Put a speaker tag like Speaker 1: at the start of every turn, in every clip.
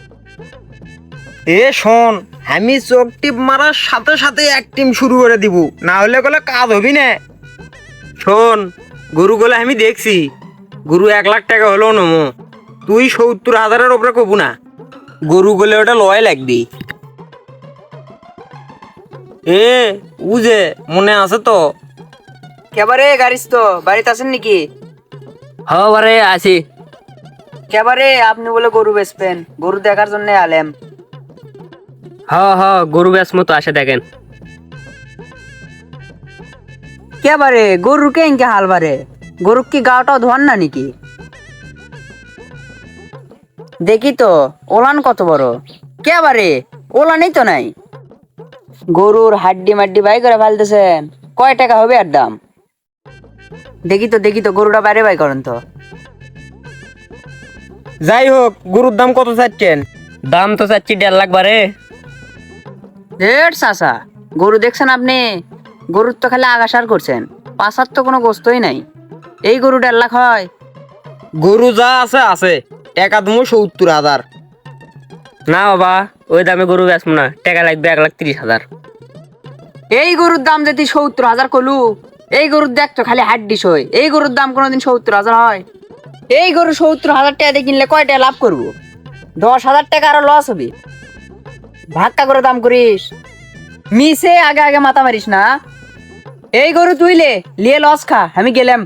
Speaker 1: এ শোন, আমি চোখ টিপ মারার সাথে সাথে এক টিম শুরু করে দিব, না হলে গেলে কাজ হবি না। শোন, গরু গলে আমি দেখছি, গরু 1 লাখ টাকা হলেও নমো, তুই 70,000-এর ওপরে কবু না। গরু গলে ওটা লয় লাগবি। এ উজে মনে আছে তো?
Speaker 2: কেবারে গাড়িস তো বাড়িতে আছেন নাকি?
Speaker 3: বারে আছি।
Speaker 2: কেবারে আপনি বলে গরু বেচবেন, গরু দেখার জন্য আলেম।
Speaker 3: গরু ব্যাস মতো আসে দেখেন।
Speaker 2: কেবারে গরুর কে ইনকে হাল বারে, গরু কি গাওটাও ধোয়ান না নাকি? দেখি তো ওলান কত বড়। কেবারে ওলানই তো নাই। গরুর হাড্ডি মাড্ডি বাই করে ফেলতেছেন, কয় টাকা হবে আর দাম? দেখি তো গরুটা বাইরে বাই করেন তো।
Speaker 1: যাই হোক, গরুর দাম কত চাচ্ছেন?
Speaker 3: দাম তো চাচ্ছি 1.5 লাখ বারে।
Speaker 2: রেট চাচা, গরু দেখছেন আপনি? গরুর তো খালি আগাসার করছেন, পাশার তো কোনো গোস্তই নাই। এই গরু 1.5 লাখ হয়?
Speaker 1: গরু যা আছে আছে, টাকা দেবো 70,000।
Speaker 3: না বাবা, ওই দামে গরু বেচবো না, টাকা লাগবে 1,30,000।
Speaker 2: এই গরুর দাম যদি 70,000 কলু, এই গরুর দেখ তো খালি হাড্ডি সই, এই গরুর দাম কোনোদিন 70,000 হয়? এই গরু 70,000 টাকা দিয়ে কিনলে কয় টাকা লাভ করবো? 10,000 টাকা আরো লস হবে। ভাক্কা করে দাম করিস, মিশে আগে আগে মাথা মারিস না। এই গরু তুইলে লিয়ে লস খা, আমি গেলাম।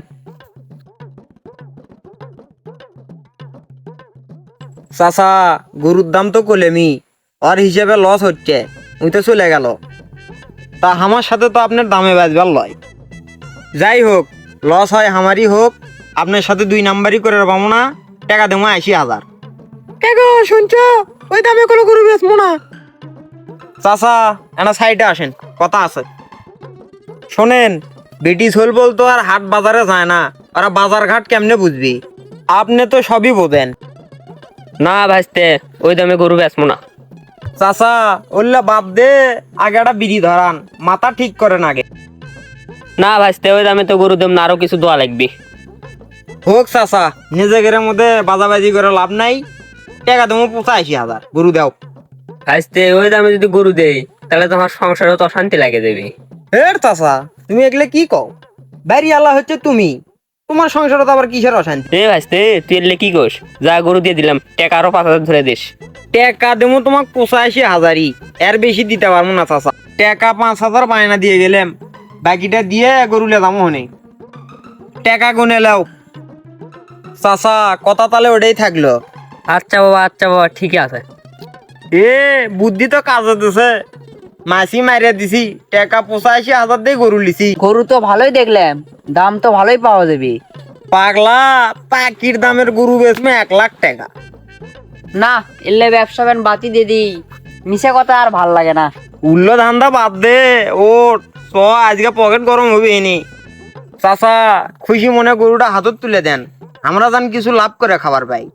Speaker 1: চাচা, গরুর দাম তো কলেমি, আর হিসেবে লস হচ্ছে, ওই তো চলে গেল। তা আমার সাথে তো আপনার দামে বাজবার লয়। যাই হোক, লস হয় আমারই হোক, আপনার সাথে 2 নাম্বারই করে পাবো না। টাকা দেবো 80,000। টাকা শুনছ, ওই দামে কোনো গরু বেচবো না। চাচা, একটা সাইডে আসেন, কথা আছে। শোনেন, ব্রিটিশ হল বলতো আর হাট বাজারে যায় না, ওরা বাজার ঘাট কেমনে বুঝবি? আপনি তো সবই বোঝেন।
Speaker 3: না ভাইস্তে, ওই দামে গরু বেচবো না।
Speaker 1: চাচা, ওল্লা বাদ দে, আগে একটা বিড়ি ধরান, মাথা ঠিক করেন আগে।
Speaker 3: না ভাইস্তে, ওই দামে তো গরু দেব না, আরো কিছু দোয়া লাগবে।
Speaker 1: হোক চাচা, নিজেদের মধ্যে বাজাবাজি করে লাভ নাই। টাকা দেবো 85,000, গরু দাও।
Speaker 3: ভাইস্তে, ওই দামে যদি গরু দেই তাহলে তোমার সংসারে তো অশান্তি লাগে দেবে।
Speaker 1: হের চাচা, তুমি এগুলো কি কও? বাড়ি আল্লাহ হচ্ছে তুমি, তোমার সংসারে তো আবার কিসের অশান্তি?
Speaker 3: ভাইস্তে, তুই এলে কি কোস? যা গরু দিয়ে দিলাম, টাকা আরো 5,000 ধরে দিস।
Speaker 1: টাকা দেবো তোমাকে 85,000-ই, এর বেশি দিতে পারবো না চাচা। টাকা 5,000 বায়না দিয়ে গেলাম, বাকিটা দিয়ে গরুলে দামও হনে। টাকা গুনে লাও চাচা, কথা তাহলে ওটাই থাকলো।
Speaker 3: আচ্ছা বাবা, ঠিকই আছে।
Speaker 1: এ বুদ্ধি তো কাজ হতেছে, মাসি মারিয়া দিছি, টাকা 85,000 দিয়ে গরু লিছি।
Speaker 2: গরু তো ভালোই দেখলাম, দাম তো ভালোই পাওয়া যাবে।
Speaker 1: পাগলা, পাকির দামের গরু বেচমে 1 লাখ টাকা।
Speaker 2: না, এলে ব্যবসা ব্যান বাতি দিয়ে দিই, মিশে কথা আর ভাল লাগে না।
Speaker 1: উল্লো ধান্দা বাদ দে, ও চ, আজকে পকেট গরম হবে এনে। চাচা, খুশি মনে গরুটা হাতত তুলে দেন, আমরা জান কিছু লাভ করে খাবার পাই।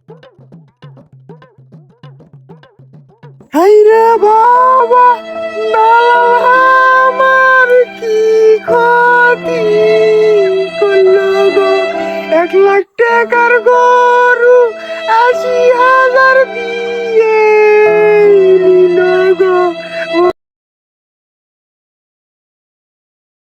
Speaker 1: হাইরে বাবা, আমার কি ক্ষতি!